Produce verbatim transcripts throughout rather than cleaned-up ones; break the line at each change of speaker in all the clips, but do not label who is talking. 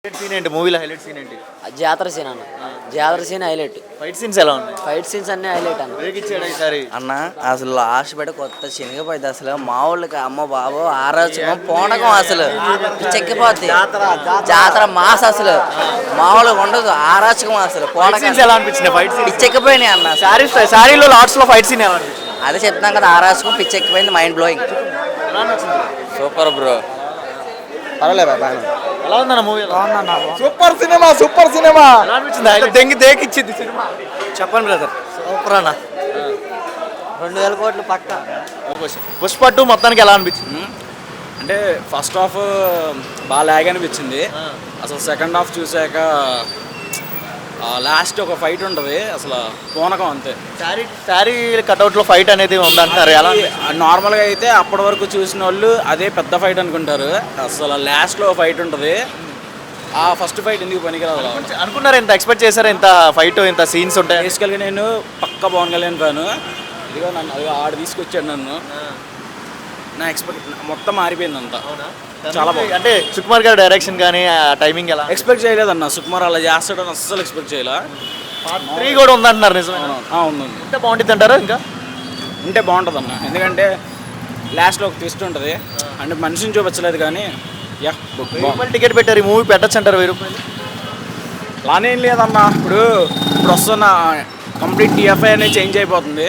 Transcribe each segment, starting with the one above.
Highlight scene ఏంటి మూవీలో? Highlight scene ఏంటి?
జాతర సీన్ అన్న. జాతర సీన్ హైలైట్.
ఫైట్ సీన్స్ ఎలా ఉన్నాయి?
ఫైట్ సీన్స్ అన్ని హైలైట్ అన్న.
బ్రేక్ ఇచ్చాడు ఈసారి
అన్న. అసలు లాస్ట్ పెట్టి కొత్త శనగపోయింది అసలు మామూలుగా అమ్మ బాబు ఆరోచకం పోనకం అసలు చెక్కిపోద్ది జాతర మాస్ అసలు మామూలుగా ఉండదు ఆరోచకం అసలు పోనకం
ఎలా అనిపించింది? ఫైట్ సీన్
పిచ్చెక్కిపోయినాయి అన్న.
సారీ సారీలో లాట్స్ లో ఫైట్ సీన్ ఎలా అనిపించింది?
అదే చెప్తున్నాం కదా ఆరోచకం పిచ్చెక్కిపోయింది మైండ్ బ్లోయింగ్.
ఎలా అనిపించింది?
Super bro.
పర్వాలేదు బాగా
ఎలా ఉందన్న movie?
Super cinema super cinema
ఎలా అనిపించింది?
దెంగి దేకి ఇచ్చింది సినిమా.
చెప్పండి బ్రదర్.
సూపర్ అన్న. రెండు వేల కోట్లు పక్క.
పుష్ప టూ మొత్తానికి ఎలా అనిపించింది?
అంటే ఫస్ట్ హాఫ్ బాగా లాగ్ అనిపించింది. అసలు సెకండ్ హాఫ్ చూసాక లాస్ట్ ఒక ఫైట్ ఉంటుంది అసలు పూనకం అంతే.
శారీ శారీ కట్అవుట్ లో ఫైట్ అనేది ఉందంటారు. ఎలా
నార్మల్గా అయితే అప్పటి వరకు చూసిన వాళ్ళు అదే పెద్ద ఫైట్ అనుకుంటారు. అసలు లాస్ట్లో ఫైట్ ఉంటుంది. ఆ ఫస్ట్ ఫైట్ ఎందుకు పనికిరాదు
అనుకున్నారు? ఇంత ఎక్స్పెక్ట్ చేశారు? ఇంత ఫైట్ ఇంత సీన్స్ ఉంటాయి?
బేసికల్గా నేను పక్క పవన్ కళ్యాణ్ ఫ్యాను. ఇదిగో నన్ను అది ఆడు తీసుకొచ్చాడు నన్ను. నా ఎక్స్పెక్ట్ మొత్తం మారిపోయింది అంతా. చాలా బాగుంది.
అంటే సుకుమార్ గారి డైరెక్షన్ కానీ టైమింగ్ ఎలా?
ఎక్స్పెక్ట్ చేయలేదన్న సుకుమార్ అలా చేస్తాడని అస్సలు ఎక్స్పెక్ట్ చేయలే.
త్రీ కూడా ఉందంటున్నారు. నిజమే
ఉంది.
ఎంత బాగుంటుంది అంటారు? ఇంకా
ఉంటే బాగుంటుంది అన్న. ఎందుకంటే లాస్ట్లో ఒక ట్విస్ట్ ఉంటుంది. అంటే మనిషిని చూపించలేదు కానీ యా
రూపాయలు టికెట్ పెట్టారు. ఈ మూవీ పెట్టచ్చు అంటారు వెయ్యి రూపాయలు?
లానేం లేదన్న. ఇప్పుడు ఇప్పుడు వస్తున్న కంప్లీట్ టీఎఫ్ఐ అనేది చేంజ్ అయిపోతుంది.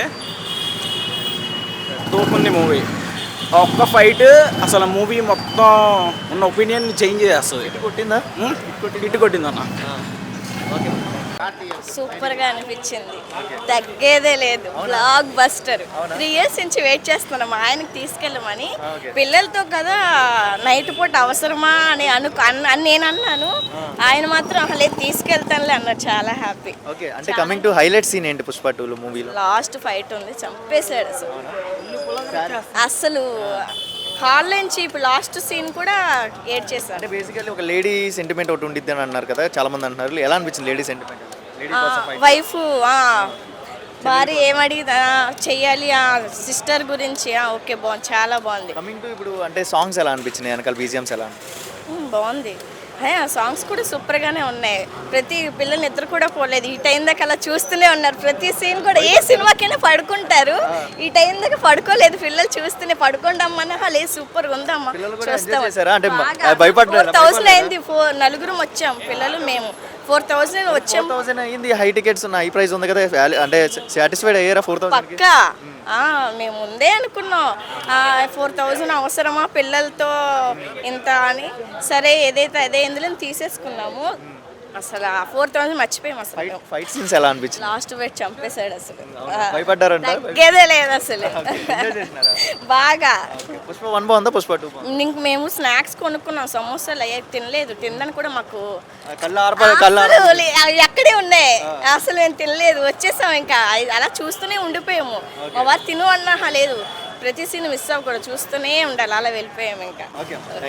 తోపుంది మూవీ. ఒక్క ఫైట్ అసలు మూవీ మొత్తం ఉన్న ఒపీనియన్ చేంజ్ చేస్తుంది.
కొట్టిందా?
హిట్ కొట్టిందన్న.
సూపర్ గా అనిపించింది. తగ్గేదే లేదు. Blockbuster. త్రీ ఇయర్స్ నుంచి వెయిట్ చేస్తున్నాం ఆయనకి తీసుకెళ్ళమని. పిల్లలతో కదా నైట్ పూట అవసరమా అని అను అని నేను అన్నాను. ఆయన మాత్రం అసలు తీసుకెళ్తానులే అన్నారు. చాలా హ్యాపీ.
ఓకే. అంటే కమింగ్ టు హైలైట్ సీన్ ఏంటి పుష్ప టూ మూవీలో?
లాస్ట్ ఫైట్ ఉంది, చంపేశాడు అసలు. అసలు హాల్ నుంచి ఇప్పుడు లాస్ట్ సీన్ కూడా ఏడ్ చేశారు.
అంటే బేసికల్లీ ఒక లేడీ సెంటిమెంట్ ఒకటి ఉండిద్ది అని అన్నారు కదా చాలా మంది అంటున్నారు. ఎలా అనిపించింది లేడీ సెంటిమెంట్?
వైఫ్ భార్య ఏమడిగి చెయ్యాలి ఆ సిస్టర్ గురించి. ఓకే బాగుంది, చాలా బాగుంది.
కమింగ్ టు ఇప్పుడు అంటే సాంగ్స్ ఎలా అనిపించినాయి? వెనకాల బీజిఎమ్స్ ఎలా?
బాగుంది. సాంగ్స్ కూడా సూపర్గానే ఉన్నాయి. ప్రతి పిల్లలు నిద్ర కూడా పోలేదు. ఈ టైం దాకా అలా చూస్తూనే ఉన్నారు. ప్రతి సీన్ కూడా ఏ సినిమాకైనా పడుకుంటారు. ఈ టైం దాకా పడుకోలేదు పిల్లలు. చూస్తూనే పడుకోండమ్మా లేదు సూపర్ ఉందమ్మా చూస్తాం. ఫోర్ థౌసండ్ అయింది. ఫోర్ నలుగురం వచ్చాం పిల్లలు మేము. ఫోర్ థౌసండ్ వచ్చాం.
థౌసండ్ అయింది. హై టికెట్స్ ఉన్న హై ప్రైస్ ఉంది కదా. అంటే సాటిస్ఫైడ్ అయ్యారా? ఫోర్ థౌసండ్
పక్కా మేము ముందే అనుకున్నాం ఫోర్ థౌజండ్ అవసరమా పిల్లలతో ఇంత అని. సరే ఏదైతే అదే ఇందులో తీసేసుకున్నాము. అసలు ఆ ఫోర్ థౌసండ్ మర్చిపోయాం. అసలు
ఫైట్ సీన్స్ ఎలా అనిపించింది?
లాస్ట్ వెయిట్ చంపేశాడు అసలు.
భయపడ్డారంట?
తగ్గేదే లేదు అసలు. బాగా.
పుష్ప వన్ బాగుందా? పుష్ప టూ?
ఇంక మేము స్నాక్స్ కొనుక్కున్నాం. సమోసాలు అయ్యాక తినలేదు. తిందని కూడా మాకు ఎక్కడే ఉన్నాయి. అసలు మేము తినలేదు. వచ్చేసాం. ఇంకా అలా చూస్తూనే ఉండిపోయాము. మా వారు తిను అన్నా లేదు. ప్రతి సీన్ మిస్ అవ్వకూడదు. చూస్తూనే ఉండాలి. అలా వెళ్ళిపోయాము ఇంకా.